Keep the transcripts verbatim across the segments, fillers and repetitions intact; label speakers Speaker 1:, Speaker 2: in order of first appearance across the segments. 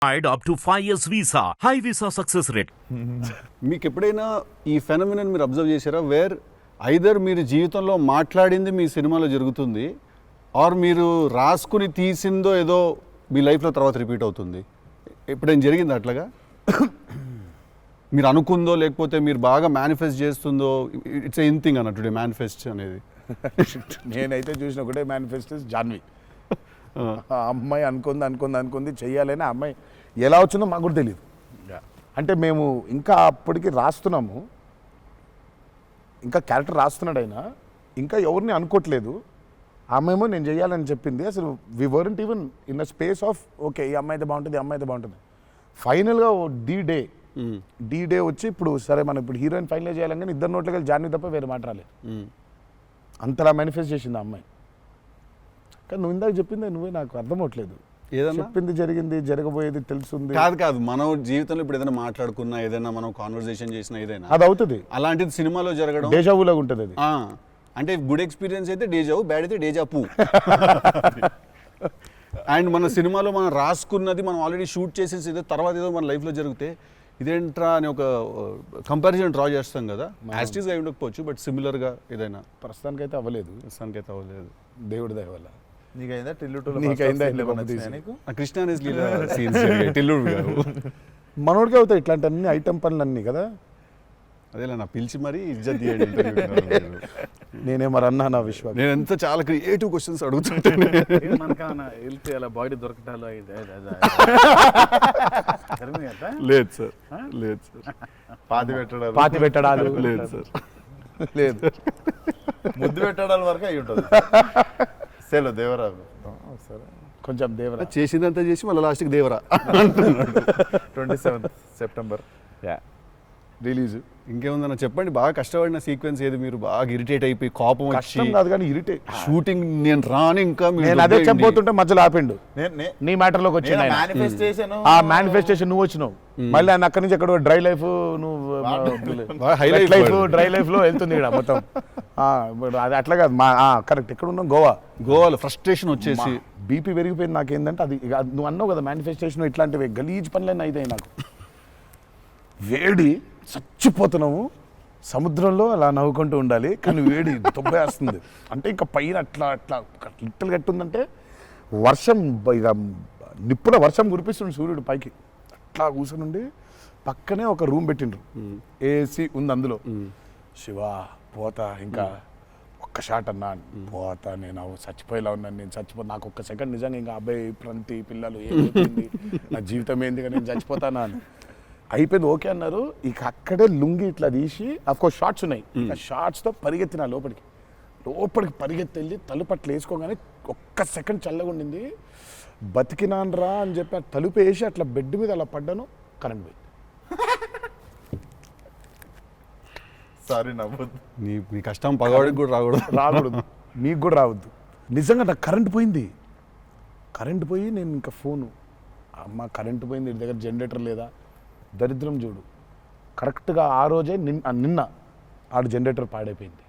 Speaker 1: up to five years visa, high visa success rate.
Speaker 2: మీకు ఎప్పుడైనా ఈ ఫెనమినన్ మీరు అబ్జర్వ్ చేశారా, వేర్ ఐదర్ మీరు జీవితంలో మాట్లాడింది మీ సినిమాలో జరుగుతుంది, ఆర్ మీరు రాసుకుని తీసిందో ఏదో మీ లైఫ్లో తర్వాత రిపీట్ అవుతుంది? ఎప్పుడైనా జరిగింది అట్లాగా? మీరు అనుకుందో లేకపోతే మీరు బాగా మేనిఫెస్ట్ చేస్తుందో? ఇట్స్ ఎన్ థింగ్ అన్నట్టు మేనిఫెస్ట్ అనేది.
Speaker 3: నేనైతే చూసిన ఒకటే మేనిఫెస్ట్ జాన్వి. ఆ అమ్మాయి అనుకుంది అనుకుంది అనుకుంది చెయ్యాలని, ఆ అమ్మాయి ఎలా వచ్చిందో మాకు కూడా తెలియదు. అంటే మేము ఇంకా అప్పటికి రాస్తున్నాము, ఇంకా క్యారెక్టర్ రాస్తున్నాడు ఆయన, ఇంకా ఎవరిని అనుకోవట్లేదు. ఆమెమో నేను చెయ్యాలని చెప్పింది. అసలు we weren't even in a space of okay ఈ అమ్మాయి అయితే బాగుంటుంది, ఈ అమ్మాయి అయితే బాగుంటుంది. ఫైనల్గా డి డే డి డే వచ్చి ఇప్పుడు సరే మనం ఇప్పుడు హీరోయిన్ ఫైనల్ చేయాలని, కానీ ఇద్దరు నోట్లకి జాన్వి తప్ప వేరే మాట రాలేదు. అంతలా మేనిఫెస్ట్ చేసింది ఆ అమ్మాయి. కానీ నువ్వు ఇందాక చెప్పింది నువ్వే నాకు అర్థం అవట్లేదు. ఏదైనా చెప్పింది జరిగింది, జరగబోయేది తెలుస్తుంది.
Speaker 2: కాదు కాదు మన జీవితంలో ఇప్పుడు ఏదైనా మాట్లాడుకున్నా, ఏదైనా మనం కాన్వర్సేషన్ చేసినా, ఏదైనా
Speaker 3: అది అవుతుంది.
Speaker 2: అలాంటిది సినిమాలో జరగడం
Speaker 3: డేజావులాగా ఉంటుంది అది.
Speaker 2: అంటే గుడ్ ఎక్స్పీరియన్స్ అయితే డేజావు, బ్యాడ్ అయితే డేజా పూ. అండ్ మన సినిమాలో మనం రాసుకున్నది మనం ఆల్రెడీ షూట్ చేసేసి ఏదో తర్వాత ఏదో మన లైఫ్లో జరిగితే ఇదేంట్రా అని ఒక కంపారిజన్ డ్రా చేస్తాం కదా. యాస్టీస్గా ఉండకపోవచ్చు, బట్ సిమిలర్గా ఏదైనా.
Speaker 3: ప్రస్తుతానికి అయితే అవ్వలేదు.
Speaker 2: ప్రస్తుతానికి అయితే అవ్వలేదు.
Speaker 3: దేవుడి దయ వల్ల.
Speaker 4: నీకైందా
Speaker 2: కృష్ణ టిల్లుడు
Speaker 3: మనోడికి అవుతాయి ఇట్లాంటి అన్ని ఐటమ్ పనులు అన్నీ కదా.
Speaker 2: అదేలా నా పిలిచి మరీ ఇజ్జత్ తీయండి.
Speaker 3: నేనే మరి అన్నా నా విశ్వాసం.
Speaker 2: నేను ఎంత చాలా క్రియేటివ్ క్వశ్చన్స్ అడుగుతుంటాను.
Speaker 4: బాడీ దొరకటాలు
Speaker 2: లేదు సార్, లేదు సార్.
Speaker 4: పాతి పెట్టడాలు
Speaker 3: పాతి పెట్టడాలు
Speaker 2: లేదు సార్,
Speaker 3: లేదు.
Speaker 4: ముద్దు పెట్టడాల వరకు అయి ఉంటుంది. సెలవు దేవరా సరే
Speaker 3: కొంచెం దేవరా
Speaker 2: చేసిందంతా చేసి మళ్ళీ లాస్ట్కి Devara.
Speaker 4: Twenty seventh September
Speaker 3: release.
Speaker 2: ఇంకేముందన్న చెప్పండి. బాగా కష్టపడిన సీక్వెన్స్ ఏది? మీరు బాగా ఇరిటేట్ అయిపోయి కోపం
Speaker 3: కష్టం కాదు కానీ ఇరిటేట్.
Speaker 2: షూటింగ్ నేను రాని ఇంకా
Speaker 3: నేను అదే చెప్పబోతుంటే మధ్యలో ఆపిండు. నీ మ్యాటర్ లోకి వచ్చింది
Speaker 4: మేనిఫెస్టేషన్.
Speaker 3: ఆ మేనిఫెస్టేషన్ నువ్వు వచ్చినావు, మళ్ళీ ఆయన అక్కడి నుంచి ఎక్కడ డ్రై లైఫ్, నువ్వు హైలైట్ లైఫ్, డ్రై లైఫ్ లో వెళ్తుంది ఇక్కడ మొత్తం. అది అట్లా కాదు. మా కరెక్ట్ ఎక్కడ ఉన్నాం? గోవా.
Speaker 2: గోవాలో ఫ్రస్ట్రేషన్ వచ్చేసి
Speaker 3: బీపీ పెరిగిపోయింది. నాకేందంటే అది నువ్వు అన్నావు కదా మేనిఫెస్టేషన్, ఇట్లాంటివి గలీజ్ పనులన్నీ అయితాయి నాకు. వేడి చచ్చిపోతున్నాము, సముద్రంలో అలా నవ్వుకుంటూ ఉండాలి, కానీ వేడి తొబ్బేస్తుంది. అంటే ఇంకా పైన అట్లా అట్లా లిట్టలు కట్టుందంటే వర్షం, ఇక నిప్పుల వర్షం కురిపిస్తుంది సూర్యుడు పైకి. అట్లా కూర్చుని పక్కనే ఒక రూమ్ పెట్టిండ్రు, ఏసీ ఉంది అందులో. శివ పోతా, ఇంకా ఒక్క షాట్ అన్నా పోతా, నేను చచ్చిపోయేలా ఉన్నాను, నేను చచ్చిపో నాకు ఒక్క సెకండ్ నిజంగా ఇంకా అబ్బాయి ప్రంతి పిల్లలు ఏమైపోయింది, నా జీవితం ఏంది, నేను చచ్చిపోతానా అని అయిపోయింది. ఓకే అన్నారు. ఇక అక్కడే లుంగి ఇట్లా తీసి, అఫ్కోర్స్ షార్ట్స్ ఉన్నాయి, ఆ షార్ట్స్తో పరిగెత్తిన లోపలికి లోపలికి పరిగెత్తి వెళ్ళి తలుపు అట్లా వేసుకోగానే ఒక్క సెకండ్ చల్లగా ఉండింది. బతికినాన్రా అని చెప్పి ఆ తలుపు వేసి అట్లా బెడ్ మీద అలా పడ్డాను, కరెంట్ పోయింది.
Speaker 4: సారీ నవ్వద్దు.
Speaker 2: నీ నీ కష్టం పగవాడికి కూడా రాకూడదు
Speaker 3: రాకూడదు మీకు కూడా రావద్దు. నిజంగా నాకు కరెంట్ పోయింది. కరెంట్ పోయి నేను ఇంకా ఫోను, అమ్మ కరెంట్ పోయింది, ఇంటి దగ్గర జనరేటర్ లేదా, దరిద్రం చూడు. కరెక్ట్గా ఆ రోజే నిన్న నిన్న ఆడు జనరేటర్ పాడైపోయింది.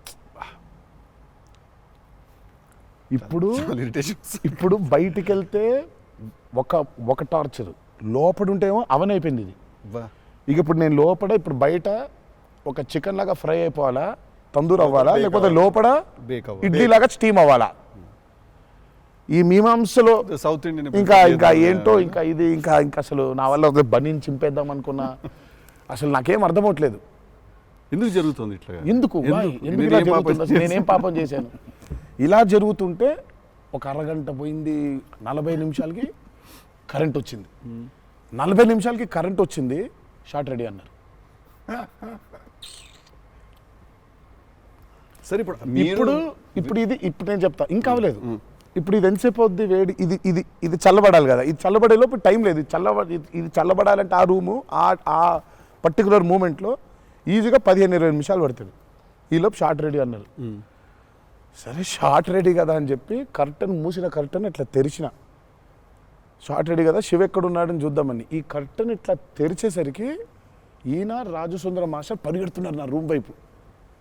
Speaker 3: ఇప్పుడు ఇప్పుడు బయటికి వెళ్తే ఒక ఒక టార్చర్, లోపల ఉంటేమో అవన్ అయిపోయింది ఇది. ఇక ఇప్పుడు నేను లోపల, ఇప్పుడు బయట ఒక చికెన్ లాగా ఫ్రై అయిపోవాలా, తందూరు అవ్వాలా, లేకపోతే లోపల ఇడ్లీ లాగా స్టీమ్ అవ్వాలా. ఈ మీమాంసలో
Speaker 2: సౌత్ ఇండియన్
Speaker 3: ఇంకా ఇంకా ఏంటో ఇంకా ఇది ఇంకా ఇంకా అసలు నా వల్ల ఒక బనీని చింపేద్దాం అనుకున్నా. అసలు నాకేం అర్థం అవట్లేదు.
Speaker 2: ఎందుకు జరుగుతుంది ఇట్లా?
Speaker 3: ఎందుకు ఎందుకు ఇలా జరుగుతుంది? అసలు నేనేం పాపం చేశాను? ఇలా జరుగుతుంటే ఒక అరగంట పోయింది, నలభై నిమిషాలకి కరెంట్ వచ్చింది. నలభై నిమిషాలకి కరెంట్ వచ్చింది, షార్ట్ రెడీ అన్నారు.
Speaker 2: సరే ఇప్పుడు
Speaker 3: ఇప్పుడు ఇప్పుడు ఇది ఇప్పుడు నేను చెప్తా, ఇంకా అవ్వలేదు. ఇప్పుడు ఇది ఎంతసేపు అవుద్ది వేడి, ఇది ఇది ఇది చల్లబడాలి కదా, ఇది చల్లబడేలోపు టైం లేదు. ఇది చల్లబ ఇది చల్లబడాలంటే ఆ రూము ఆ పర్టికులర్ మూమెంట్లో ఈజీగా పదిహేను ఇరవై నిమిషాలు పడుతుంది. ఈలోపు షార్ట్ రెడీ అన్నారు. సరే షార్ట్ రెడీ కదా అని చెప్పి కర్టన్ మూసిన కర్టన్ ఇట్లా తెరిచిన, షార్ట్ రెడీ కదా శివ ఎక్కడున్నాడని చూద్దామని. ఈ కర్టన్ ఇట్లా తెరిచేసరికి ఈయన రాజు సుందర మాస్టర్ పరిగెడుతున్నారు నా రూమ్ వైపు.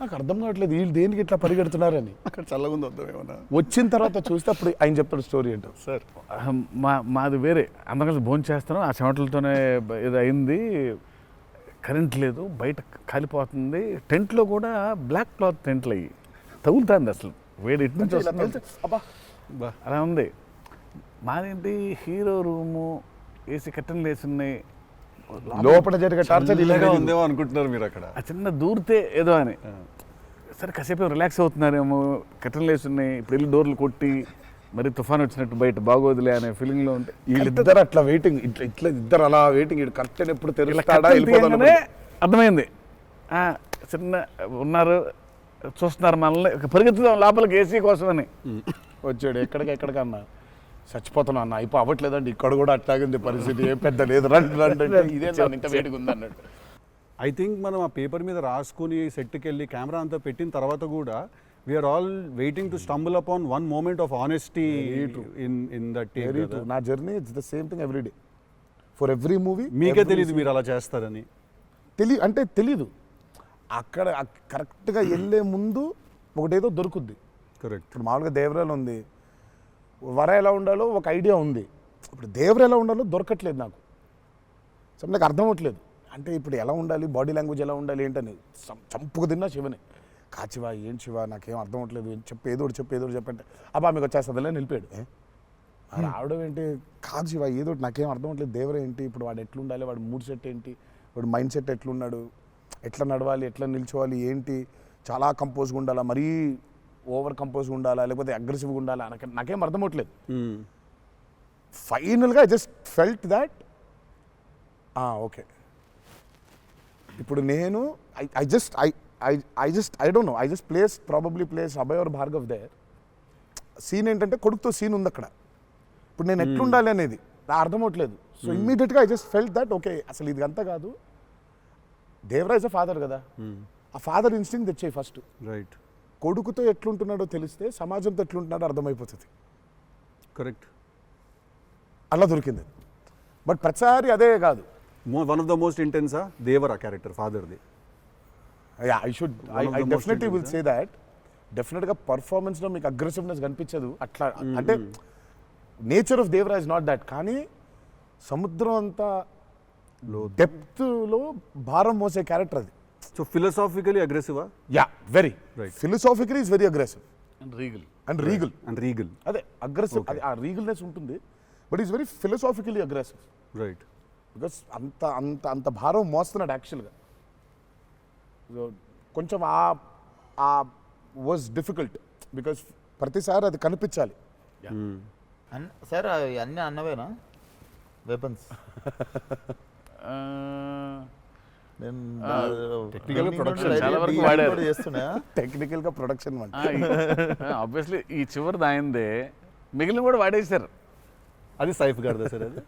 Speaker 3: నాకు అర్థం కావట్లేదు వీళ్ళు దేనికి ఇట్లా పరిగెడుతున్నారని.
Speaker 2: అక్కడ చల్లగా ఉంది వద్దాం ఏమన్నా.
Speaker 3: వచ్చిన తర్వాత చూస్తే అప్పుడు ఆయన చెప్తాడు స్టోరీ ఏంటో.
Speaker 2: సార్
Speaker 5: మా మాది వేరే అందరం కలిసి భోజనం చేస్తాను, ఆ చెమటలతోనే ఇది అయింది, కరెంట్ లేదు, బయట కాలిపోతుంది, టెంట్లో కూడా బ్లాక్ క్లాత్ టెంట్లు అయ్యి తగులుతుంది, అసలు వేడి ఇటు నుంచి వస్తుంది,
Speaker 3: అబ్బా
Speaker 2: బా
Speaker 5: అలా ఉంది. మాదేంటి హీరో రూము, ఏసీ కట్టెలు వేసి ఉన్నాయి,
Speaker 3: లోపల జరిగే టార్చర్
Speaker 2: చల్లగా ఉందేమో అనుకుంటున్నారు మీరు అక్కడ.
Speaker 5: ఆ చిన్న దూరితే ఏదో అని, సరే కాసేపు రిలాక్స్ అవుతున్నారేమో, కట్టెలు వేసి ఉన్నాయి, ఇప్పుడు వెళ్ళి డోర్లు కొట్టి మరి తుఫాన్ వచ్చినట్టు బయట బాగోదులే అనే ఫీలింగ్లో ఉంటే
Speaker 3: వీళ్ళిద్దరు అట్లా వెయిటింగ్, ఇట్లా ఇట్లా ఇద్దరు అలా వెయిటింగ్, ఇటు కర్టెన్ ఎప్పుడు తెరుస్తాడా
Speaker 5: తీయగానే అర్థమైంది, ఆ, చిన్న ఉన్నారు చూస్తున్నారు మనల్ని, పరిగెత్తుదాం లోపలికి ఏసీ కోసమని.
Speaker 3: వచ్చాడు ఎక్కడికి ఎక్కడికన్నా చచ్చిపోతున్నా అన్న, అయిపో అవ్వట్లేదండి, ఇక్కడ కూడా అట్లాగింది పరిస్థితి, ఏం పెద్ద లేదు, రండి రండి అంటే ఇదే ఇంత వేడిగా ఉంది అన్నట్టు.
Speaker 2: ఐ థింక్ మనం ఆ పేపర్ మీద రాసుకుని సెట్కి వెళ్ళి కెమెరా అంతా పెట్టిన తర్వాత కూడా we're all waiting to stumble upon one moment of honesty in in that
Speaker 3: very true. నా journey it's the same thing every day for every movie.
Speaker 2: మీకే తెలియదు మీరు అలా చేస్తారని.
Speaker 3: తెలి అంటే తెలీదు, అక్కడ కరెక్ట్గా వెళ్ళే ముందు ఒకటేదో దొరుకుద్ది.
Speaker 2: కరెక్ట్.
Speaker 3: ఇప్పుడు మామూలుగా దేవరాలు ఉంది, వర ఎలా ఉండాలో ఒక ఐడియా ఉంది, ఇప్పుడు దేవర ఎలా ఉండాలో దొరకట్లేదు నాకు, సో నాకు అర్థం అవ్వట్లేదు. అంటే ఇప్పుడు ఎలా ఉండాలి, బాడీ లాంగ్వేజ్ ఎలా ఉండాలి ఏంటని చంపుకు తిన్నా శివని, కాచివా ఏం శివ నాకేం అర్థం అవ్వట్లేదు, చెప్పు ఏదోటి చెప్పు ఏదోటి చెప్పంటే అబ్బా మీకు వచ్చేస్తుందిలే నిలిపాడు. రావడం ఏంటి, కాదు శివ ఏదోటి నాకేం అర్థం అవ్వట్లేదు, దేవర ఏంటి, ఇప్పుడు వాడు ఎట్లుండాలి, వాడు మూడ్ సెట్ ఏంటి, వాడు మైండ్ సెట్ ఎట్లున్నాడు, ఎట్లా నడవాలి, ఎట్లా నిల్చోవాలి ఏంటి, చాలా కంపోజ్గా ఉండాలా, మరీ ఓవర్ కంపోజ్గా ఉండాలా, లేకపోతే అగ్రెసివ్గా ఉండాలా, నాకు నాకేం అర్థం అవ్వట్లేదు. ఫైనల్గా I just felt that okay ఇప్పుడు నేను I I just I I I just I don't know I just place probably place Abhay or Bhargav there. Scene ఏంటంటే కొడుకుతో సీన్ ఉంది అక్కడ, ఇప్పుడు నేను ఎట్లుండాలి అనేది నా అర్థం అవ్వట్లేదు. సో ఇమ్మీడియట్గా I just felt that okay అసలు ఇది అంతా కాదు, దేవరాజ్ అ ఫాదర్ కదా, ఆ ఫాదర్ ఇన్స్టింక్ట్ తెచ్చాయి ఫస్ట్.
Speaker 2: రైట్.
Speaker 3: కొడుకుతో ఎట్లుంటున్నాడో తెలిస్తే సమాజంతో ఎట్లుంటున్నాడో అర్థమైపోతుంది.
Speaker 2: కరెక్ట్.
Speaker 3: అలా దొరికింది. బట్ ప్రతిసారి అదే కాదు.
Speaker 2: వన్ ఆఫ్ ద మోస్ట్ ఇంటెన్సా దేవరా క్యారెక్టర్ ఫాదర్ది.
Speaker 3: I should I definitely will say that. డెఫినెట్గా పర్ఫార్మెన్స్లో మీకు అగ్రెసివ్నెస్ కనిపించదు అట్లా, అంటే nature of Devara is not that, కానీ సముద్రం అంతా డెప్త్లో భారం మోసే క్యారెక్టర్ అది.
Speaker 2: సో ఫిలసాఫికలీ అగ్రెసివా?
Speaker 3: Yeah very
Speaker 2: Right.
Speaker 3: Philosophically is very aggressive
Speaker 5: and regal
Speaker 3: and regal.
Speaker 2: And regal.
Speaker 3: అదే అగ్రెసివ్, అది ఆ రీగల్నెస్ ఉంటుంది, but is very philosophically aggressive.
Speaker 2: Right.
Speaker 3: Because అంత అంత అంత భారం మోస్తున్నాడు యాక్చువల్గా. సో కొంచెం ఆ ఆ వాజ్ డిఫికల్ట్ బికాస్ ప్రతిసారి అది కనిపించాలి.
Speaker 4: అన్న సార్ అవి అన్నీ అన్నవేనా వెపన్స్? నేను
Speaker 2: Technical గా production
Speaker 5: చాలా వరకు వాడారు.
Speaker 4: చేస్తున్నా.
Speaker 3: టెక్నికల్గా ప్రొడక్షన్ అంటే
Speaker 5: ఆబ్వియస్లీ ఈ చివరిది ఆయనదే, మిగిలిన కూడా వాడేశారు.
Speaker 2: అది సైఫ్ గారిదా సార్ అది?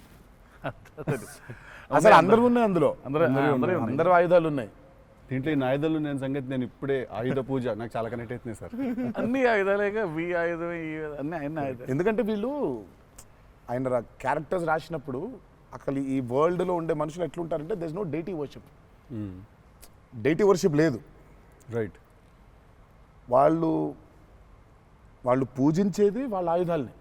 Speaker 3: అసలు అందరూ ఉన్నాయి అందులో,
Speaker 5: అందరూ అందరూ ఉన్నాయి.
Speaker 3: అందరూ ఆయుధాలు ఉన్నాయి
Speaker 2: దీంట్లో ఈ నాయుధాలు నేను సంగతి నేను ఇప్పుడే ఆయుధ పూజ నాకు చాలా కనెక్ట్ అవుతుంది సార్.
Speaker 5: అన్ని ఆయుధాలేగా, వి ఆయుధం ఈ ఆయుధం, అన్ని అన్ని ఆయుధాలు.
Speaker 3: ఎందుకంటే వీళ్ళు ఆయన క్యారెక్టర్స్ రాసినప్పుడు అసలు ఈ వరల్డ్లో ఉండే మనుషులు ఎట్లుంటారంటే there is no deity worship. Deity worship లేదు.
Speaker 2: రైట్.
Speaker 3: వాళ్ళు వాళ్ళు పూజించేది వాళ్ళ ఆయుధాలని.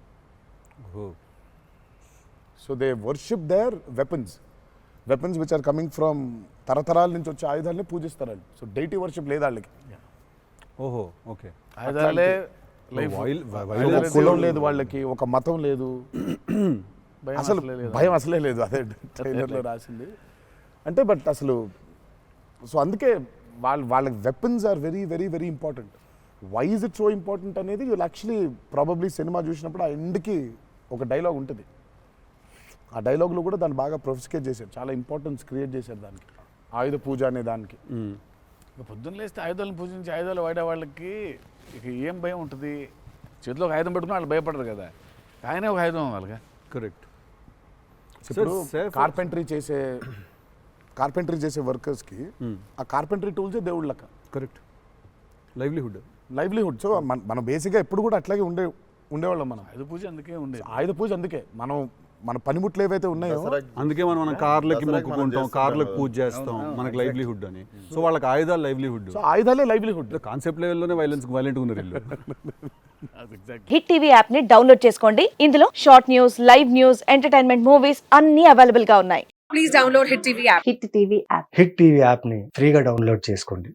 Speaker 3: So they worship their weapons weapons which are coming from తరతరాల నుంచి వచ్చే ఆయుధాలని పూజిస్తారు వాళ్ళు. సో డైటీ వర్షిప్ లేదు వాళ్ళకి.
Speaker 2: ఓహో ఓకే.
Speaker 5: ఆయుధాలే లైఫ్.
Speaker 3: ఒక కులం లేదు వాళ్ళకి, ఒక మతం లేదు,
Speaker 5: భయం
Speaker 3: అసలు
Speaker 5: అసలే లేదు.
Speaker 3: భయం అసలే లేదు. అదే ట్రైలర్లో రాసింది. అంటే బట్ అసలు సో అందుకే వాళ్ళ వాళ్ళ weapons are very very very important. Why is it so important అనేది వీళ్ళు యాక్చువల్లీ ప్రాబబ్లీ సినిమా చూసినప్పుడు ఆ ఎండ్కి ఒక డైలాగ్ ఉంటుంది. ఆ డైలాగ్లో కూడా దాన్ని బాగా ప్రొఫిస్కేట్ చేశారు, చాలా ఇంపార్టెన్స్ క్రియేట్ చేశారు దానికి, ఆయుధ పూజ అనే దానికి.
Speaker 5: ఇక పొద్దున్న లేస్తే ఆయుధాలను పూజించి ఆయుధాలు వాడే వాళ్ళకి ఇక ఏం భయం ఉంటుంది? చేతిలో ఒక ఆయుధం పెట్టుకుని వాళ్ళు భయపడరు కదా, ఆయనే ఒక ఆయుధం వాళ్ళగా.
Speaker 2: కరెక్ట్.
Speaker 3: ఇప్పుడు కార్పెంటరీ చేసే కార్పెంటరీ చేసే వర్కర్స్కి ఆ కార్పెంటరీ టూల్సే దేవుళ్ళ లెక్క.
Speaker 2: కరెక్ట్. లైవ్లీహుడ్.
Speaker 3: లైవ్లీహుడ్. సో మన మనం బేసిక్గా ఎప్పుడు కూడా అట్లాగే ఉండే ఉండేవాళ్ళం మనం.
Speaker 5: ఆయుధ పూజ అందుకే ఉండేది.
Speaker 3: ఆయుధ పూజ అందుకే మనం మన పనిముట్లు ఏవైతే ఉన్నాయో
Speaker 2: అందుకే మనం మన కార్లకి
Speaker 4: దసరాకి మనం
Speaker 2: మొక్కుకుంటాం,
Speaker 4: చేస్తుంటాం
Speaker 2: కార్లకు
Speaker 4: కదా.
Speaker 2: పూజ చేస్తాం, మనకి లైవ్లీహుడ్ అని. సో వాళ్ళకి ఆయుధాలు లైవ్లీహుడ్.
Speaker 3: సో ఆయుధాలే లైవ్లీహుడ్.
Speaker 2: కాన్సెప్ట్ లెవెల్లోనే వైలెన్స్ వైలెంట్ ఉన్నారు వీళ్ళు.
Speaker 6: హిట్ టీవీ యాప్ ని డౌన్లోడ్ చేసుకోండి. ఇందులో short news, live news, entertainment movies అన్ని అవైలబుల్ గా ఉన్నాయి.
Speaker 7: Please download Hit T V app.
Speaker 6: Hit TV app.
Speaker 8: Hit TV యాప్ని ఫ్రీగా డౌన్లోడ్ చేసుకోండి.